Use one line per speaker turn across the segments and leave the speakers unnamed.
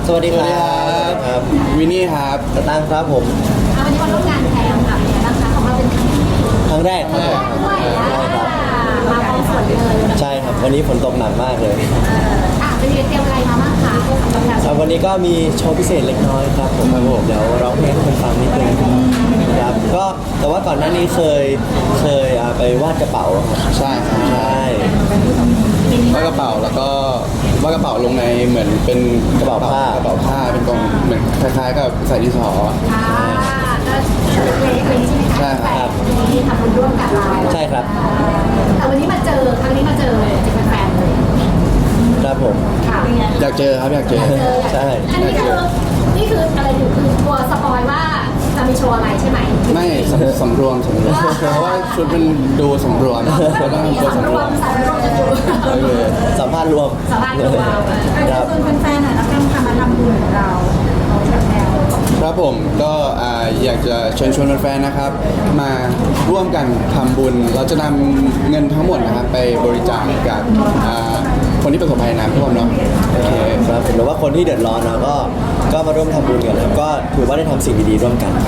สวัสดีครับ
วินนี่ครับ
สตางค์ครับผม
วันนี้มาร่วมงานแทนกับนะคะของเราเป็น
ครั้งแรกครับผม
ด้วยมาพร้อมฝนเลย
ใช่ครับวันนี้ฝนตกหนักมากเลย
เป็นเตรียมอะไรมาบ้างคะ
ครับวันนี้ก็มีโชว์พิเศษเล็กน้อยครับผมเดี๋ยวร้องเพลงให้คนฟังนิดนึงครับก็แต่ว่าก่อนหน้านี้เคยไปวาดกระเป๋า
ใช่ครับ
ใช่
วาดกระเป๋าแล้วก็วาดกระเป๋าลงในเหมือนเป็น
กระเป๋าผ้
เป็นกล่องเหมือนคล้ายๆกับใส่ดินสอ
ก็เล็กๆใช่ไหมคะ
ใช่ครับ
ที่ทำบุญร่วมกับเรา
ใช่ครับ
แต่วันนี้มาเจอครั้งนี้มาเจอจะเป็นแฟนเลย
ครับผม
อยากเจอครับอยากเจอ
ใช่
นี่คืออะไรอยู่คือกลัวสปอยว่าจะมีโชว์อะไรใช่ไหม
ไม่สำรวมเพราะว่าชุดมันดูสำรวมก็ต้องตัวสำรวม
สัมภาษณ์รวม
ครับส่วนแฟนๆแล้วกันค่ะมาทำบุญของเรา
ครับผมก็อยากจะเชิญชวนแฟนๆนะครับมาร่วมกันทำบุญเราจะนำเงินทั้งหมดนะครับไปบริจาคกับคนที่ประสบภัยน้ำท่วมเนาะ
โอเคครับหรือว่าคนที่เดือดร้อนนะก็มาร่วมทำบุญกันครับก็ถือว่าได้ทำสิ่งดีๆร่วมกัน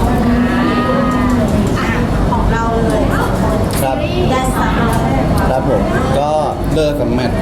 ของเราเลย
ครับ
ได้สาม
ครับผมก็
เลิกกับแมท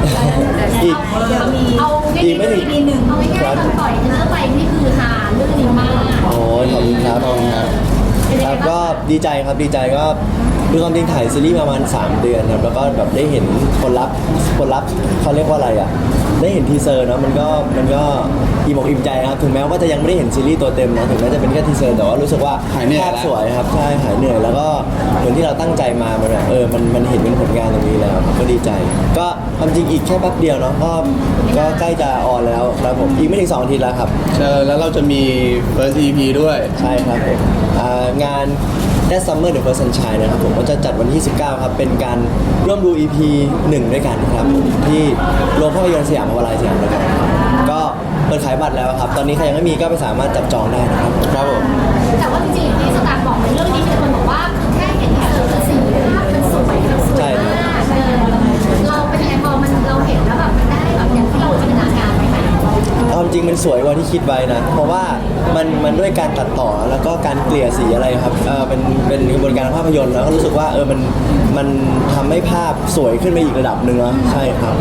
อีกไม่ถึง
หนึ่งเอาไว้แค่ตอนปล่อยเนื้อไปนี่คือหาเรื่องดีมาก
โอ้ยขอบคุณครับครับก็ดีใจครับดีใจก็คือความจริงถ่ายซีรีส์ประมาณ3 เดือนครับแล้วก็แบบได้เห็นผลลัพธ์เขาเรียกว่าอะไรอ่ะได้เห็นทีเซอร์เนาะมันก็อิ่มอกอิ่มใจครับถึงแม้ว่าจะยังไม่ได้เห็นซีรีส์ตัวเต็มนะถึงแม้จะเป็นแค่ทีเซอร์แต่ว่ารู้สึกว่าภาพสวยครับใช่หายเหนื่อยแล้วก็เหมือนที่เราตั้งใจมามันแบบมันเห็นเป็นผลงานตรงนี้แล้วก็ดีใจก็ความจริงอีกแค่แป๊บเดียวเนาะก็ใกล้จะออนแล้วครับผมอีกไม่ถึง2 อาทิตย์แล้วครับ
แล้วเราจะมี first EP ด้วย
ใช่ครับผมงานThat Summer The First Sunshine นะครับผมก็จะจัดวันที่19ครับเป็นการร่วมดู EP 1ด้วยกันครับที่โรงภาพยนตร์สยามพาวาไลน์สยามนะครับก็เปิดขายบัตรแล้วครับตอนนี้ใครยังไม่มีก็ไปสามารถจับจองได้นะครับ
ครับผม
แต่ว่าจริงๆที่สตาร์บอกในเรื่องนี้มีคนบอกว่าแค่เห็นทีเซอร์คือสีภาพมันสวยมากเราเป็นไงพอมันเราเห็นแล้วแบบได้แบบอย่างที่เราจินตนาการไปไหม
ความจริงมันสวยกว่าที่คิดไว้นะเพราะว่ามันด้วยการตัดต่อแล้วก็การเกลี่ยสีอะไรครับเป็นกระบวนการภาพยนตร์แล้วก็รู้สึกว่ามันทำให้ภาพสวยขึ้นไปอีกระดับหนึ่งแล้วใช่ครับ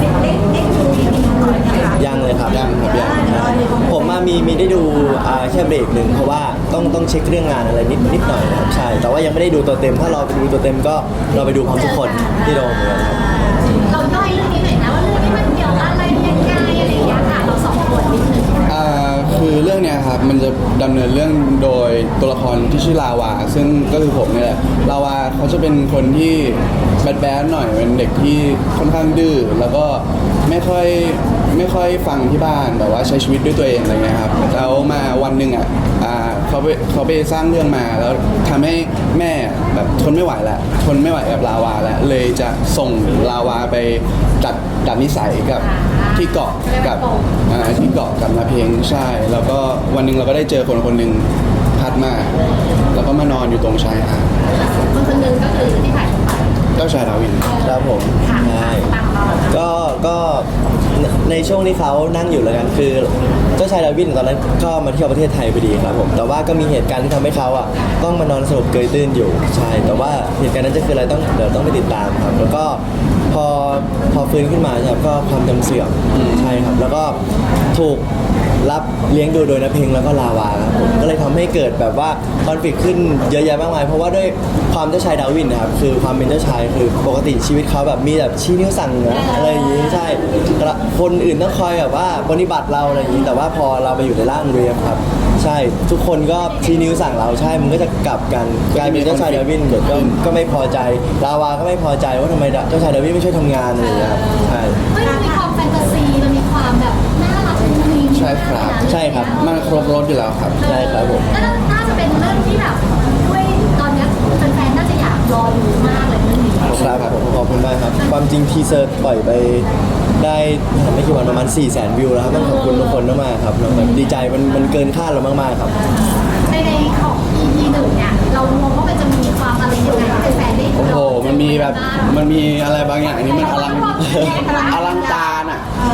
ยังเลยครับ
ยัง
ผมมีได้ดูแค่เบรกหนึ่งเพราะว่าต้องเช็คเรื่องงานอะไรนิดหน่อยนะครับใช่แต่ว่ายังไม่ได้ดูตัวเต็มถ้าเราไปดูตัวเต็มก็เราไปดูพร้อมทุกคนที่โรงเลยครับ
เราย่อยเรื่องนี้หน่อยนะว่าเรื่องนี้มันเกี่ยวอะไรยังไงอะไรอย่างเงี้ยค่ะเรา2 คนนิดนึง
คือเรื่องเนี้ยครับมันจะดำเนินเรื่องโดยตัวละครที่ชื่อลาวาซึ่งก็คือผมนี่แหละลาวาเขาจะเป็นคนที่แบดหน่อยเป็นเด็กที่ค่อนข้างดื้อแล้วก็ไม่ค่อยฟังที่บ้านแบบว่าใช้ชีวิตด้วยตัวเองอะไรเงี้ยครับแล้วมาวันหนึ่งเขาไปสร้างเรื่องมาแล้วทำให้แม่แบบทนไม่ไหวกับลาวาแล้วเลยจะส่งลาวาไปดัดนิสัยกับที่เกาะกับนาเพงใช่แล้วก็วันหนึ่งเราก็ได้เจอคนหนึ่งพัดมาแล้วก็มานอนอยู่ตรงชายหาด
คนหนึ่งก็คือที่ถ่าย
เจ้าชายดาวิน
ครับผมใช่ก็ในช่วงที่เขานั่งอยู่แล้วกันคือเจ้าชายดาวินตอนนั้นก็มาเที่ยวประเทศไทยพอดีครับผมแต่ว่าก็มีเหตุการณ์ที่ทำให้เขาต้องมานอนสลบเกยตื้นอยู่ใช่แต่ว่าเหตุการณ์นั้นจะคืออะไรเดี๋ยวต้องไปติดตามครับแล้วก็พอฟื้นขึ้นมาครับก็ความจำเสื่อมใช่ครับแล้วก็ถูกรับเลี้ยงดูโดยนาเพงแล้วก็ลาวาครับผมก็เลยทำให้เกิดแบบว่าคอนฟลิกต์ขึ้นเยอะแยะมากมายเพราะว่าด้วยความเจ้าชายดาวินนะครับคือความเป็นเจ้าชายคือปกติชีวิตเขาแบบมีแบบชี้นิ้วสั่งนะอะไรอย่างนี้ใช่คนอื่นต้องคอยแบบว่าปฏิบัติเราอะไรอย่างนี้แต่ว่าพอเราไปอยู่ในร่างเรียมครับใช่ทุกคนก็ชี้นิ้วสั่งเราใช่มันก็จะกลับกันกลายเป็นเจ้าชายดาวินก็ไม่พอใจลาวาก็ไม่พอใจว่าทำไมเจ้าชายดาวินไม่ช่วยทำงานอะไรอย่างเงี้ยครับใช่
มันมีความแฟนตาซีมันมีความแบบน่ารักมุ้งมิ้ง
ใช่ครับมันครบรสอยู่แล้วครับ
ใช่ครับผม
น่าจะเป็นเรื่องที่แบบด้วยตอนนี้แฟนๆน่าจะอยากรอดูมากเลยเรื่องนี้
ครับผมขอบคุณมากครับความจริงทีเซอร์ปล่อยไปได้ไม่กี่วันประมาณ400,000 วิวแล้วครับต้องขอบคุณทุกคนมากๆครับแบบดีใจมันเกินคาดเรามากๆครับ
ในของ EP 1เนี่ยเรามองว่ามันจะมีความอะไรยังไงให้แฟนได้ดู
โอ้โหมันมีอะไรบางอย่างนี่มันอลังการอ่ะ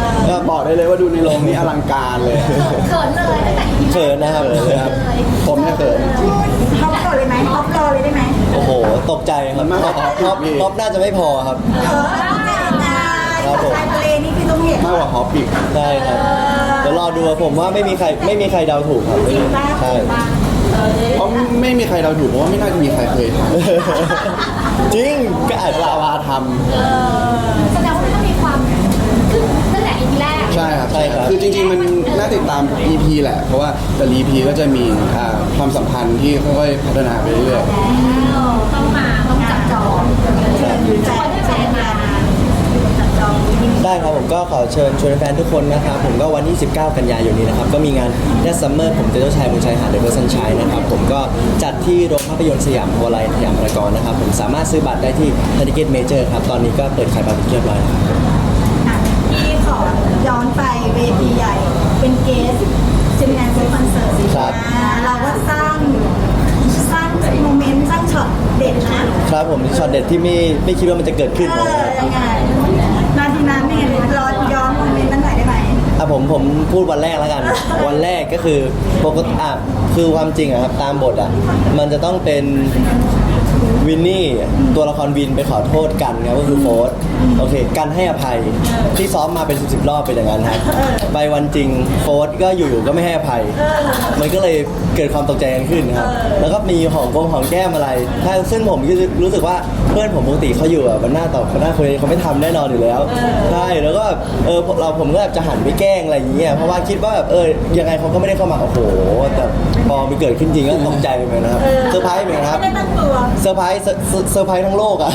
บอกได้เลยว่าดูในโรงนี่อลังการเลย
เขินเลยตั้งแต่ EP
เขินนะครับ
ผมเนี่ยเขิน
ท็อปก่อนเลยไหมท็อปรอเลยได้ไหม
โอ้โหตกใจครับ
มันมาก
ท็อปน่าจะไม่พอครับ
ครับผมชายทะเลนี่คือต้องเห็น
มากกว่าฮอปอีก
ได้ครับเดี๋ยวรอดูผมว่าไม่มีใครเดาถูกครับไม่มีใช่
เพราะไม่มีใครเราถูกเพราะว่าไม่น่าจะมีใครเคยท
จริงก็อาจ
ำ
จะ
ลาวาท
แสดงว่ามันต้องมีความคือตั้งแต่ EP แรก
ำใช่ครับคือจริงๆมันน่าติดตาม EP แหละ เพราะว่าแต่ละ EP ก็จะมีความสัมพันธ์ที่ค่อยๆพัฒนาไปเรื่อย
แล้วต้องจับจองทุกคนได้แฟนมาจับจอง
ได้ครับผมก็ขอเชิญชวนแฟนทุกคนนะครับผมก็วันที่ 19 กันยายนนี้นะครับก็มีงานแดนซัมเมอร์ผมจะเจ้าชายบนชายหาดเดอะเวอร์ซันชัยนะครับผมก็จัดที่โรงภาพยนตร์สยามพาวาไลน์สยามพารากอนนะครับผมสามารถซื้อบัตรได้ที่ไทยทิเก็ตเมเจอร์ครับตอนนี้ก็เปิดขายบัตรเป็นที่เรียบร้อยแล้วครับ
พี่ขอย้อนไปเวทีใหญ่ เป็นเกสเจมินาเซอร์คอนเสิร์ต
ครับ
เราก็สร้างโมเมนต์สร้างช็อตเด็ดนะครับ
ผมช็อตเด็ดที่ไม่คิดว่ามันจะเกิดขึ้นนะครับ
ยังไงนาทีนั้นเนี่ยรอย้อนโมเมนต์นั้นหน่อยได้ไหม
ผมพูดวันแรกแล้วกัน วันแรกก็คือปกติคือความจริงอะครับตามบทอะมันจะต้องเป็นวินนี่ตัวละครวินไปขอโทษกันครับก็คือโฟสโอเคกันให้อภัยที่ซ้อมมาเป็น10 รอบเป็นอย่างนั้นครับไปวันจริงโฟสก็อยู่ๆก็ไม่ให้อภัย มันก็เลยเกิดความตกใจกันขึ้นครับแล้วก็มีหอมแก้มอะไรถ้าซึ่งผมก็รู้สึกว่าเพื่อนผมปกติเขาอยู่อะมันหน้าต่อหน้าคุยเขาไม่ทำแน่นอนอยู่แล้วใช่แล้วก็ผมก็แบบจะหันไปแกล้งอะไรอย่างเงี้ยเพราะว่าคิดว่าแบบยังไงเขาก็ไม่ได้เข้ามาโอ้โหแต่พอมันเกิดขึ้นจริงก็ตกใจเหมือนกันนะครับเซอร์ไพรส์เหมือนกันครับ
ไม่ได้ตั้งตัว
เซอร์ไพรส์ทั้งโลกอ่ะ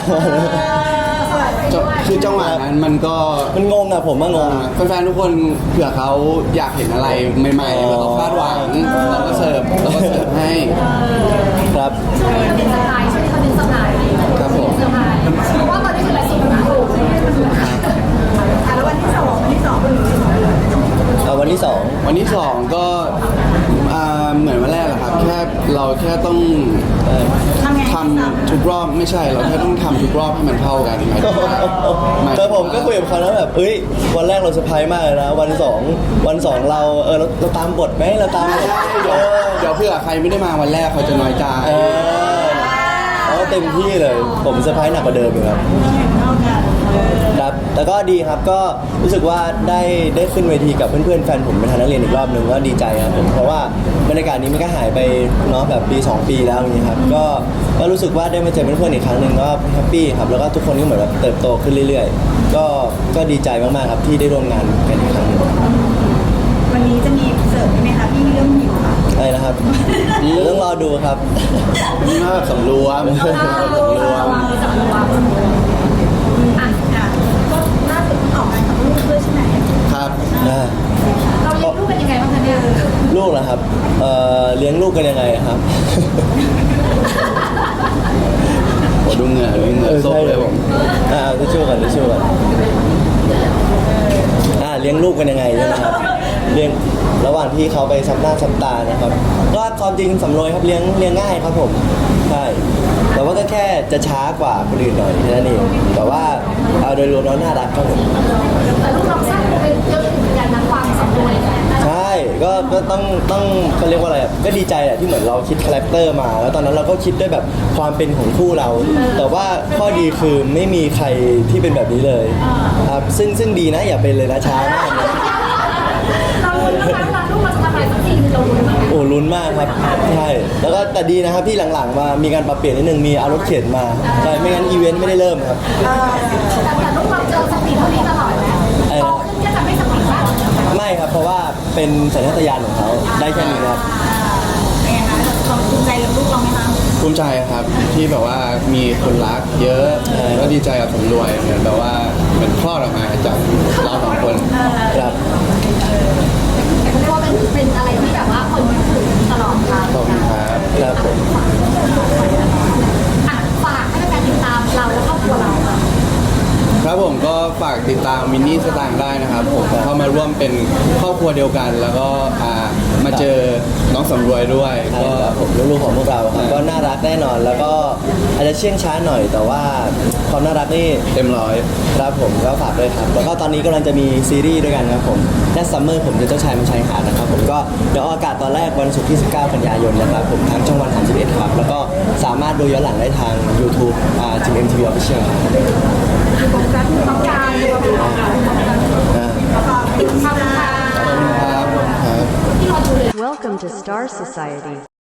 คือจังหวะนั้นมันก็
มันงงอ่ะผมว่างง
แฟนๆทุกคนเผื่อเขาอยากเห็นอะไรใหม่ๆแล้วเขาคาดหวังเราก็เสิร์ฟให้
ครับ
ช่วงนี้มันเป็นสไตล์ช่วงนี้มันเป็นสไตล์
ครับผม
สไตล์เพราะว่าตอนนี้คืออะไรสุดหนาโอ้โห
แล้ววันที่สองเป็น
วันที่สอง
วันที่ 2 ก็เหมือนวันแรกแหละครับแค่ต้อง
ทำไง
ทำทุกรอบไม่ใช่เราแค่ต้องทำทุกรอบให้มันเท่ากันหมายถึงว่า
แต่ผมก็คุยกับเขาแล้วแบบวันแรกเราเซอร์ไพรส์มากเลยนะวันสองเราเราตามบทไหมเราตามบท
เดี๋ยวเพื่อใครไม่ได้มาวันแรกเขาจะน้อยใจ
เขาเต็มที่เลยผมเซอร์ไพรส์หนักกว่าเดิมอีกครับ
เท่ากัน
ครับแล้วก็ดีครับก็รู้สึกว่าได้ขึ้นเวทีกับเพื่อนๆแฟนผมเป็นทางนักเรียนอีกรอบหนึ่งก็ดีใจครับผมเพราะว่าบรรยากาศนี้มันก็หายไปเนาะแบบปี 2 ปีแล้วอย่างนี้ครับก็รู้สึกว่าได้มาเจอเพื่อนๆอีกครั้งหนึ่งก็แฮปปี้ครับแล้วก็ทุกคนก็เหมือนแบบเติบโตขึ้นเรื่อยๆก็ดีใจมากๆครับที่ได้ร่วมงานกันอีกครั้งหนึ่ง
วันนี้จะมีเสิร์ฟไหมคะพี่เรื่องหิวค่ะ
อะไรนะครับเดี๋ยวต้องรอดูครับ
นี่มาแบบสำรวม
สำรวม
อ่ะก็ล่าสุดออกงานกับลูกด้วยใช่ไหม
ครับ
เราเลี้ยงลูกเป็นยังไงบ้างคะเนี่ย
ลูกเหรอครับเลี้ยงลูกกันยังไงครับ
โอ้ดูเหงื่อซบเลยผม
ทิชชู่กันเลี้ยงลูกกันยังไงใช่ไหมครับเลี้ยงระหว่างที่เขาไปซับหน้าซับตานะครับก็ความจริงสำรวยครับเลี้ยงง่ายครับผมใช่แต่ว่าก็แค่จะช้ากว่าคนอื่นหน่อยแค่นั้นเองแต่ว่าเอาโดยรวมแล้วน่ารักครับผม
แต่ลูกเราสร้างเป็นเยอะเหมือนกันนะความสำรวยนะ
ใช่ก็ต้องเขาเรียกว่าอะไรอะก็ดีใจแหละที่เหมือนเราคิดคาแรคเตอร์มา แล้วตอนนั้นเราก็คิดด้วยแบบความเป็นของคู่เรา แต่ว่าข้อดีคือไม่มีใครที่เป็นแบบนี้เลยครับซึ่งดีนะอย่าเป็นเลยนะช้ามากเลย
เราลุ้นมากนะลูกเราจะทำอะไรสักทีนึงเราลุ้นมาก
โอ้ลุ้นมากครับใช่แล้วก็แต่ดีนะครับที่หลังๆมามีการปรับเปลี่ยนนิดนึงมีเอารถเข็นมาใช่ไม่งั้นอีเวนต์ไม่ได้เริ่มครับ
แต่ลูกเราเจอสปีดเท่านี้ตลอดนะโตขึ้นก็จะไม่สปีดมาก
ไม่ครับเพราะว่าเป็นสัญชาตญาณของเขาได้แค่นี้ครับ
เป็นไงคะเราภูมิใจกับลูกเราไหมคะ
ภูมิใจครับที่แบบว่ามีคนรักเยอะก็ดีใจกับสำรวยเหมือนแบบว่าเหมือนคลอดออกมาจากเราสองคน
ครับ
แต่ก็เรียกว่าเป็นอะไรที่แบบว่าคนนึกถึงตลอดเวลา
ขอบคุณครับ
ครับผม
ฝากให้แฟนติดตามเราและครอบครัวเราค่ะ
ครับผมก็ฝากติดตามมินนี่สตางค์ได้นะครับผมเข้ามาร่วมเป็นครอบครัวเดียวกัน แล้วก็มาเจอน้องสำรวยด้วย
ใช่
ก็
ครับผมลูกๆของพวกเราครับก็น่ารักแน่นอนแล้วก็อาจจะเชื่องช้าหน่อย แต่ว่าความน่ารักนี่
เต็มร้อย
ครับผมก็ฝากด้วยครับ แล้วก็ตอนนี้กำลังจะมีซีรีส์ด้วยกันครับผมแค่ซัมเมอร์ผมจะเจ้าชายมันชายหาดนะครับผมก็เดี๋ยวออกอากาศตอนแรกวันศุกร์ที่ 19 กันยายนนะครับผมทางช่องวัน 31 ครับ แล้วก็สามารถดูย้อนหลังได้ทาง YouTube จิม MTV Official ครับ
โฟกัสที่ต้องการที่เราดูออกมา
อ่า
ขอบคุณค่ะ
ขอบคุณครับ
ที่เราดูเลย
Welcome to Star Society.